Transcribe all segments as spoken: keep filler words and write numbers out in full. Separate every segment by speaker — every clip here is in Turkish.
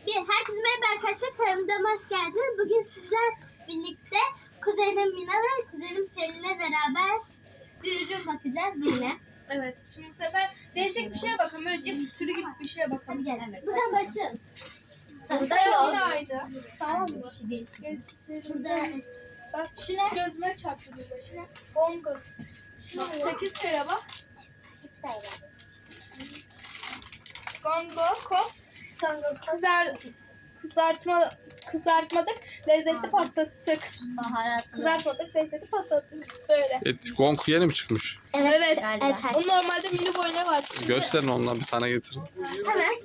Speaker 1: Bir, herkese merhaba arkadaşlar. Kanalıma hoş geldiniz. Bugün sizler birlikte kuzenim Mina ve kuzenim Selin'le beraber bir ürün bakacağız yine.
Speaker 2: Evet, şimdi bu sefer değişik bir şeye bakalım. Böyle cips türü gibi bir şeye bakalım.
Speaker 1: Hadi gel. Buradan başlayalım.
Speaker 2: Burada yine aynı. Tamam mı?
Speaker 1: Bir şey değişmiyor.
Speaker 2: Burada
Speaker 1: Burada
Speaker 2: bak şu ne? Gözüme çarptı bir de. Şu ne? Bongo. Şu sekiz TL bak. Gongo, Kops, kızar, kızartma, kızartmadık, lezzetli patlattık.
Speaker 1: baharatlı.
Speaker 2: Kızartmadık, lezzetli patlattık. Böyle.
Speaker 3: Et Gong yeni mi çıkmış?
Speaker 1: Evet.
Speaker 2: Evet.
Speaker 1: Evet.
Speaker 2: O normalde mini boy ne var?
Speaker 3: Gösterin ondan bir tane getirin.
Speaker 1: Hemen.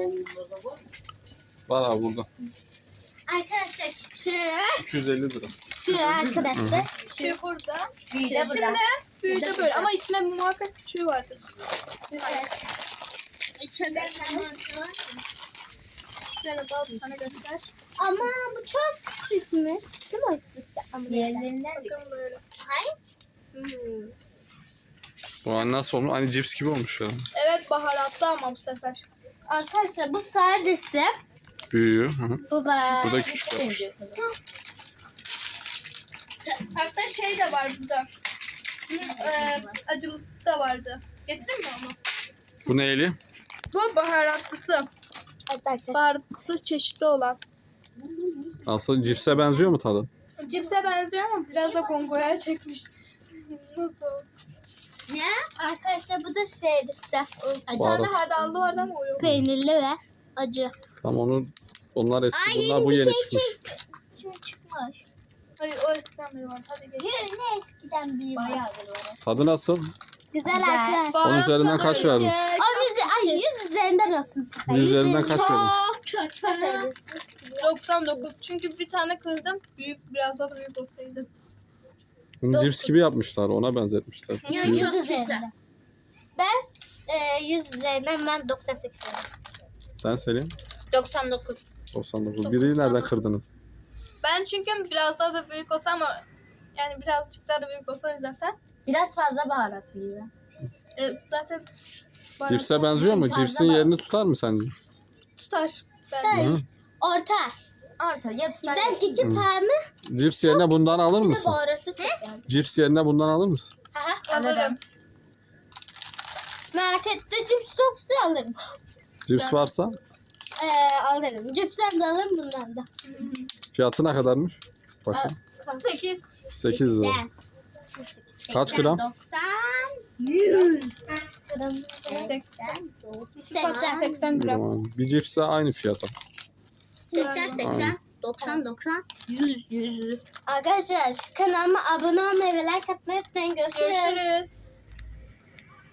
Speaker 3: Var abi burada.
Speaker 1: Arkadaşlar küçüğü.
Speaker 3: iki yüz elli lira.
Speaker 1: Küçüğü arkadaşlar.
Speaker 2: Küçüğü burada.
Speaker 1: Büyüğü de
Speaker 2: Şimdi
Speaker 1: burada.
Speaker 2: büyüğü de böyle ama içine muhakkak küçüğü vardır.
Speaker 1: Evet.
Speaker 2: İçinde şöyle bal sana göster.
Speaker 1: Ama bu çok küçükmüş. Değil mi? Diğerlerinden
Speaker 2: Bakın böyle.
Speaker 1: Hayır.
Speaker 2: Hmm.
Speaker 3: Bu an nasıl olmuş? Hani cips gibi olmuş ya.
Speaker 2: Evet baharatlı ama bu sefer.
Speaker 1: Arkadaşlar bu sadece
Speaker 3: Büyüyor. Hı hı.
Speaker 1: bu var.
Speaker 3: Bu da küçük yapmış.
Speaker 2: Hatta şey de var burada. Bunun e, acılısı da vardı. Getireyim mi onu?
Speaker 3: Bu neyli?
Speaker 2: Bu baharatlısı.
Speaker 1: Arkadaşlar.
Speaker 2: Baharatlı çeşitli olan.
Speaker 3: Aslında cipse benziyor mu tadı?
Speaker 2: Cipse benziyor ama biraz da gongoya çekmiş. Nasıl?
Speaker 1: Ne? Arkadaşlar bu da şeydi işte.
Speaker 2: Bir
Speaker 3: Baharat.
Speaker 2: tane hardallı vardı ama o yok.
Speaker 1: Peynirli ve acı.
Speaker 3: Tam onu onlar eski,
Speaker 1: Ay,
Speaker 3: bunlar
Speaker 1: yeni
Speaker 3: bu
Speaker 1: bir
Speaker 3: yeni
Speaker 1: şey
Speaker 3: çıkmış.
Speaker 1: Şimdi çıkmış.
Speaker 2: Hayır o eskiden beri var. Hadi gel.
Speaker 1: Ne eskiden bir bayağı
Speaker 3: Tadı nasıl?
Speaker 1: Güzel, arkadaşlar.
Speaker 3: Onun üzerinden kaç verdin?
Speaker 1: On yüz, ay yüz üzerinden olsun bu sefer.
Speaker 3: Yüz üzerinden kaç verdin?
Speaker 1: Çok çok.
Speaker 2: doksan dokuz. Çünkü bir tane kırdım. Büyük biraz daha da büyük olsaydı.
Speaker 3: Bunu cips gibi yapmışlar, ona benzetmişler.
Speaker 1: Yüz
Speaker 3: Büyük.
Speaker 1: üzerinden. Ben e, yüz üzerinden ben doksan sekiz verdim.
Speaker 3: Sen Selin?
Speaker 1: doksan dokuz.
Speaker 3: doksan dokuz. Biri nereden kırdınız?
Speaker 2: Ben çünkü biraz daha da büyük olsa ama yani birazcık daha da büyük olsa o yüzden sen.
Speaker 1: Biraz fazla baharatlıydı.
Speaker 2: E, zaten
Speaker 3: Cipse benziyor mu?
Speaker 1: fazla
Speaker 3: Cipsin
Speaker 1: var.
Speaker 3: yerini tutar mı sence?
Speaker 2: tutar.
Speaker 1: Tutar.
Speaker 3: Hı.
Speaker 1: Orta.
Speaker 2: Orta ya tutar.
Speaker 1: Ben iki tane
Speaker 3: Cips yerine bundan alır mısın?
Speaker 1: baharatı çok yani.
Speaker 3: Cips yerine bundan alır mısın?
Speaker 2: Alırım.
Speaker 1: Markette cips toksu alırım.
Speaker 3: Cips varsa
Speaker 1: Ee, alırım. Cipsen de alırım bundan da.
Speaker 3: fiyatı ne kadarmış? Bakın.
Speaker 2: sekiz.
Speaker 3: sekiz lira. Kaç gram?
Speaker 1: doksan. yüz. Gram.
Speaker 2: seksen.
Speaker 1: seksen.
Speaker 2: seksen gram.
Speaker 3: Tamam. Bir cipse aynı fiyata.
Speaker 1: seksen,
Speaker 3: Aynen.
Speaker 1: seksen, doksan, doksan, yüz, yüz. Arkadaşlar kanalıma abone olmayı ve like atmayı unutmayın. Görüşürüz.
Speaker 2: Görüşürüz.